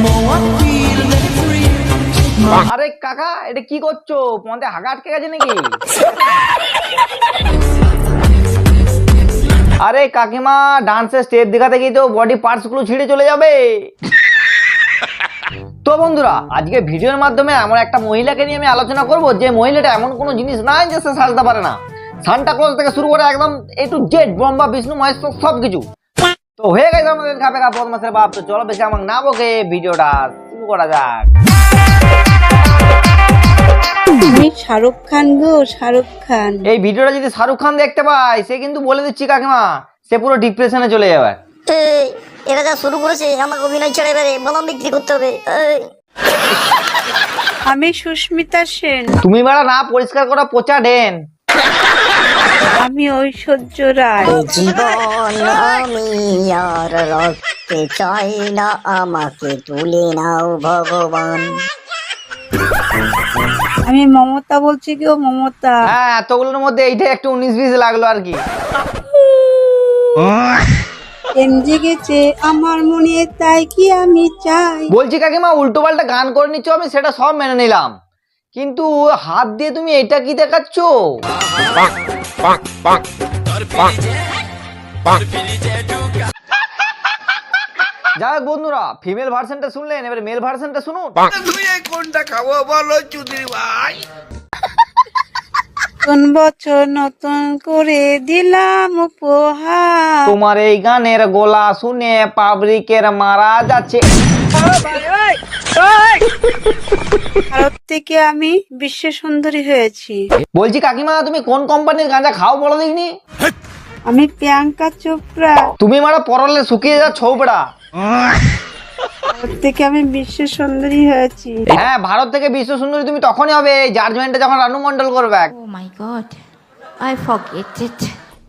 আরে কাকা, এটা কি করছো? পথে হাগা আটকে গেছে নাকি? আরে কাকিমা, ডান্সের স্টেপ দেখাতে গিয়ে তো বডি পার্টস গুলো ছিঁড়ে চলে যাবে। তো বন্ধুরা, আজকে ভিডিওর মাধ্যমে এমন একটা মহিলাকে নিয়ে আমি আলোচনা করব যে মহিলাটা এমন কোনো জিনিস নাই যে সে সাজতে পারে না। সান্টা ক্লজ থেকে শুরু করে একদম A to Z, Brahma Vishnu Maheshwar সবকিছু। তো হয়ে গেছে আমাদের খাপে খা বদমাসের বাপ। তো চলো বেশি আমাকে না বকে ভিডিওটা শুরু করা যাক। আমি শাহরুখ খান গো, শাহরুখ খান। এই ভিডিওটা যদি শাহরুখ খান দেখতে পায়, সে কিন্তু বলে দিচ্ছি কাকিমা, সে পুরো ডিপ্রেশনে চলে যাবে। এরা যা শুরু করেছে, আমাকে অভিনয় ছেড়ে এবারে বলাম বিক্রি করতে হবে। আমি সুস্মিতা সেন। তুমি বেড়া না পরিষ্কার করা পচা ডেন। আমি ঐশ্বর্য রায়। জীবন আমি আর রাখতে চাই না, আমাকে তুলে নাও ভগবান। আমি মমতা বলছি গো, মমতা। হ্যাঁ, এতগুলোর মধ্যে এইটা একটু 19-20 লাগলো আর কি। প্রেম জেগেছে আমার মনে, তাই কি আমি চাই। বলছি কাকিমা, উল্টো পাল্টা গান করে নিচ্ছ, আমি সেটা সব মেনে নিলাম, কিন্তু হাত দিয়ে তুমি এটা কি দেখাচ্ছ? যাই হোক বন্ধুরা, ফিমেল ভার্সনটা শুনলেন, এবার মেল ভার্সনটা শুনুন। কোনটা খাবো বলো চুদির ভাই? নতুন বছর নতুন করে দিলাম উপহার। তোমার এই গানের গলা শুনে পাবলিকের মারা যাচ্ছে। ভারত থেকে আমি বিশ্ব সুন্দরী হয়েছি। বলছি কাকিমা, তুমি কোন কোম্পানির গাঁজা খাও বলো দেখিনি? আমি প্রিয়াঙ্কা চোপড়া। তুমি মারা পরলে শুকিয়ে যা ছৌপড়া। ভারত থেকে আমি বিশ্ব সুন্দরী হয়েছি। হ্যাঁ, ভারত থেকে বিশ্ব সুন্দরী তুমি তখনই হবে জাজমেন্টে যখন রানু মন্ডল করবে। Oh my god, I forget it.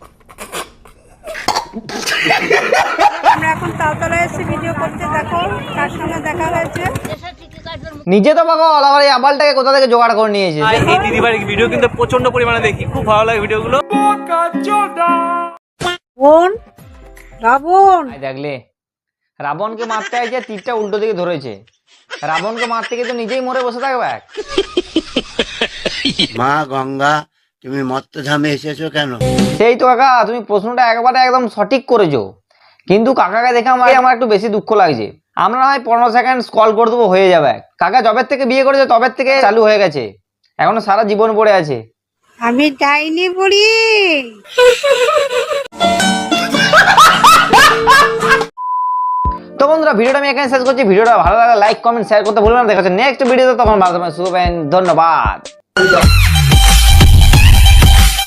আমরা এখন তালতলায় এসে ভিডিও করতে, দেখো কার সঙ্গে দেখা হয়েছে। নিজে তো পাগল, আবার এই আবালটাকে কোথা থেকে জোগাড় করে নিয়েছে। এই দিদিবাড়ির ভিডিও কিন্তু প্রচন্ড পরিমাণে দেখি, খুব ভালো লাগে ভিডিওগুলো। বোন রাবণ। দেখলে, রাবণকে মারতে আইছে, তীরটা উল্টো দিকে ধরেছে। রাবণকে মারতে গিয়ে তো নিজেই মরে বসে থাকবে। মা গঙ্গা, তুমি মত্তধামে এসেছো কেন? সেই তো কাকা, তুমি প্রশ্নটা একবারে একদম সঠিক করেছো, কিন্তু কাকাকে দেখে আমার একটু বেশি দুঃখ লাগছে। আমরা হয় 15 সেকেন্ড স্ক্রল করে দেবো, হয়ে যাবে। কাকা জবের থেকে বিয়ে করেছে, তবের থেকে চালু হয়ে গেছে, এখনো সারা জীবন পড়ে আছে। আমি ডাইনি বুড়ি। তো বন্ধুরা, ভিডিওটা আমি এখানে শেষ করছি। ভিডিওটা ভালো লাগলে লাইক কমেন্ট শেয়ার করতে ভুলবেন না। দেখা হচ্ছে নেক্সট ভিডিওতে, তখন ভালো থাকবেন, সুস্থ থাকবেন। ধন্যবাদ।